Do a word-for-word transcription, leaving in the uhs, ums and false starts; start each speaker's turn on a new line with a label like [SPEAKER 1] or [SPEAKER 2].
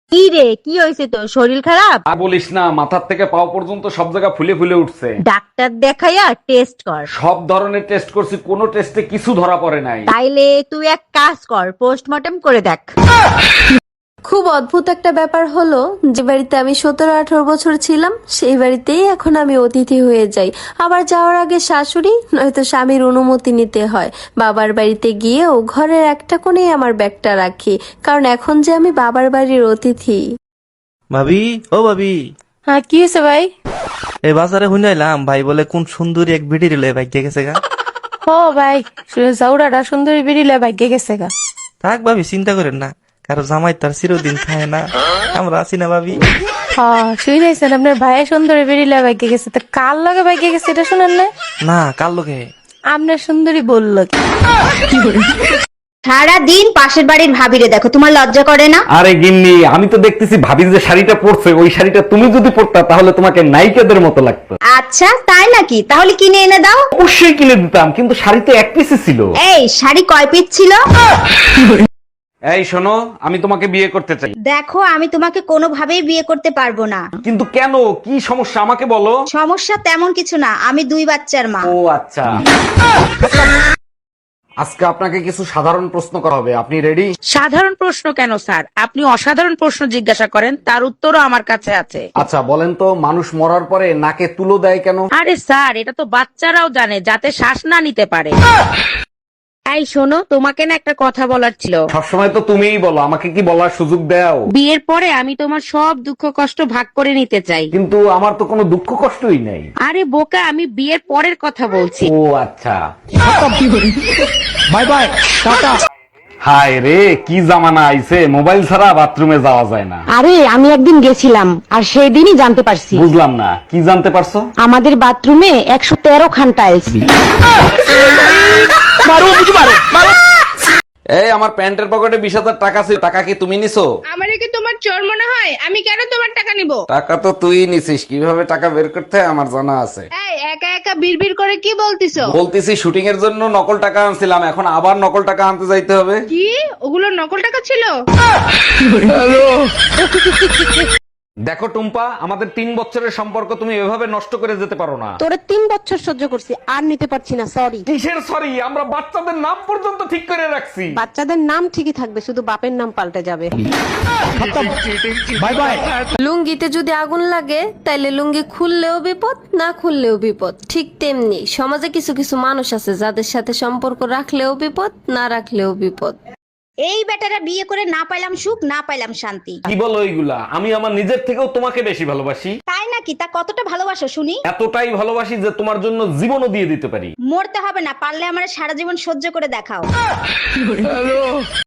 [SPEAKER 1] কি রে, কি হয়েছে তোর? শরীর খারাপ?
[SPEAKER 2] আর বলিস না, মাথার থেকে পাও পর্যন্ত সব জায়গা ফুলে ফুলে উঠছে।
[SPEAKER 1] ডাক্তার দেখাইয়া টেস্ট কর।
[SPEAKER 2] সব ধরনের টেস্ট করছি, কোনো টেস্টে কিছু ধরা পড়ে নাই।
[SPEAKER 1] তাইলে তুই এক কাজ কর, পোস্টমর্টম করে দেখ।
[SPEAKER 3] খুব অদ্ভুত একটা ব্যাপার হলো, যে বাড়িতে আমি সতেরো আঠারো বছর ছিলাম সেই বাড়িতেই এখন আমি অতিথি হয়ে যাই। আবার যাওয়ার আগে শাশুড়ি নয়তো স্বামীর অনুমতি নিতে হয়। বাবার বাড়িতে গিয়েও ঘরের একটা কোণেই আমার ব্যাগটা রাখি, কারণ এখন যে আমি বাবার বাড়ির অতিথি।
[SPEAKER 4] ভাবি, ও ভাবি,
[SPEAKER 5] হ্যাঁ কি হয়েছে ভাই?
[SPEAKER 4] এই বাজারে শুনাইলাম ভাই বলে কোন সুন্দরী এক বিড়ি রিলে ভাগ্যে গেছে গা।
[SPEAKER 5] ও ভাই, জাউরাটা সুন্দরী বেরিলে ভাগ্যে গেছে গা।
[SPEAKER 4] থাক ভাবি, চিন্তা করেন না, কারো জামাই তার চিরদিন খায় না, আমরা আছি না ভাবি।
[SPEAKER 5] হ্যাঁ শুনেছেন আপনার ভাই সুন্দরী বেরিলে ভাগ্যে গেছে, তো কার লগে ভাগ্যে গেছে এটা শুনেন না?
[SPEAKER 4] না, কার লোকে?
[SPEAKER 5] আপনার সুন্দরী বললো কি?
[SPEAKER 6] সারা দিন পাশের বাড়ির ভাবিরে দেখো, তোমার লজ্জা করে না?
[SPEAKER 2] আরে গিন্নি, আমি তো দেখতেছি ভাবি যে শাড়িটা পরছে, ওই শাড়িটা তুমি যদি পরতা তাহলে তোমাকে নায়িকাদের মতো লাগতো।
[SPEAKER 6] আচ্ছা তাই নাকি? তাহলে কিনে এনে দাও।
[SPEAKER 2] অবশ্যই কিনে দিতাম, কিন্তু শাড়ি তো এক পিসে ছিল।
[SPEAKER 6] এই শাড়ি কয় পিস ছিল?
[SPEAKER 2] এই শোনো, আমি তোমাকে বিয়ে করতে চাই।
[SPEAKER 6] দেখো আমি তোমাকে কোনোভাবেই বিয়ে করতে পারবো না।
[SPEAKER 2] কিন্তু কেন, কি সমস্যা আমাকে বলো।
[SPEAKER 6] সমস্যা তেমন কিছু না, আমি দুই বাচ্চার মা।
[SPEAKER 2] ও আচ্ছা। আজকে আপনাকে কিছু সাধারণ প্রশ্ন করা হবে, আপনি রেডি?
[SPEAKER 7] সাধারণ প্রশ্ন কেন স্যার? আপনি অসাধারণ প্রশ্ন জিজ্ঞাসা করেন, তার উত্তরও আমার কাছে আছে।
[SPEAKER 2] আচ্ছা বলেন তো, মানুষ মরার পরে নাকে তুলো দেয় কেন?
[SPEAKER 7] আরে স্যার, এটা তো বাচ্চারাও জানে, যাতে শ্বাস না নিতে পারে। এই শোনো, তোমাকে না একটা কথা বলার ছিল।
[SPEAKER 2] সবসময় তো তুমিই বলো, আমাকে কি বলার সুযোগ দাও?
[SPEAKER 7] বিয়ের পরে আমি তোমার সব দুঃখ কষ্ট ভাগ করে নিতে চাই।
[SPEAKER 2] কিন্তু আমার তো কোনো দুঃখ কষ্টই নেই।
[SPEAKER 7] আরে বোকা, আমি বিয়ের পরের কথা বলছি।
[SPEAKER 2] ও আচ্ছা। Bye bye, tata. হায় রে, কি জামানা আইছে, মোবাইল ছাড়া বাথরুমে যাওয়া যায় না।
[SPEAKER 8] আরে আমি একদিন গেছিলাম আর সেই দিনই জানতে পারছি
[SPEAKER 2] বুঝলাম না, কি জানতে পারছো?
[SPEAKER 8] আমাদের বাথরুমে একশো তেরো খান টাইলস।
[SPEAKER 2] এই আমার প্যান্টের পকেটে বিশ হাজার টাকা ছিল, টাকা কি তুমি নিছো?
[SPEAKER 9] আমারে কি তোমার চোর মনে হয়? আমি কেন তোমার টাকা নিব?
[SPEAKER 2] টাকা তো তুই নিছিস, কিভাবে টাকা বের করতে হয় আমার জানা আছে।
[SPEAKER 9] এই একা একা বিড়বিড় করে কি বলতিছো?
[SPEAKER 2] বলতেছি শুটিং এর জন্য নকল টাকা আনছিলাম, এখন আবার নকল টাকা আনতে যাইতে হবে।
[SPEAKER 9] কি ওগুলো নকল টাকা ছিল?
[SPEAKER 2] দেখো টুম্পা, আমাদের তিন বছরের সম্পর্ক তুমি এভাবে নষ্ট করে যেতে পারো না।
[SPEAKER 8] তোরে তিন বছর সহ্য করছি, আর নিতে পারছি না, সরি।
[SPEAKER 2] কিসের সরি? আমরা বাচ্চাদের নাম পর্যন্ত ঠিক করে রাখছি।
[SPEAKER 8] বাচ্চাদের নাম ঠিকই থাকবে, শুধু বাপের নাম পাল্টে যাবে।
[SPEAKER 2] Bye bye.
[SPEAKER 3] লুঙ্গিতে যদি আগুন লাগে তাইলে লুঙ্গি খুললেও বিপদ, না খুললেও বিপদ। ঠিক তেমনি সমাজে কিছু কিছু মানুষ আছে যাদের সাথে সম্পর্ক রাখলেও বিপদ, না রাখলেও বিপদ।
[SPEAKER 6] এই বেটারা বিয়ে করে না পাইলাম সুখ, না পাইলাম শান্তি।
[SPEAKER 2] কি বলো এইগুলা? আমি আমার নিজের থেকেও তোমাকে বেশি ভালোবাসি।
[SPEAKER 6] তাই নাকি? তা কতটা ভালোবাসো শুনি?
[SPEAKER 2] এতটাই ভালোবাসি যে তোমার জন্য জীবনও দিয়ে দিতে পারি।
[SPEAKER 6] মরতে হবে না, পারলে আমার সারা জীবন সহ্য করে দেখাও।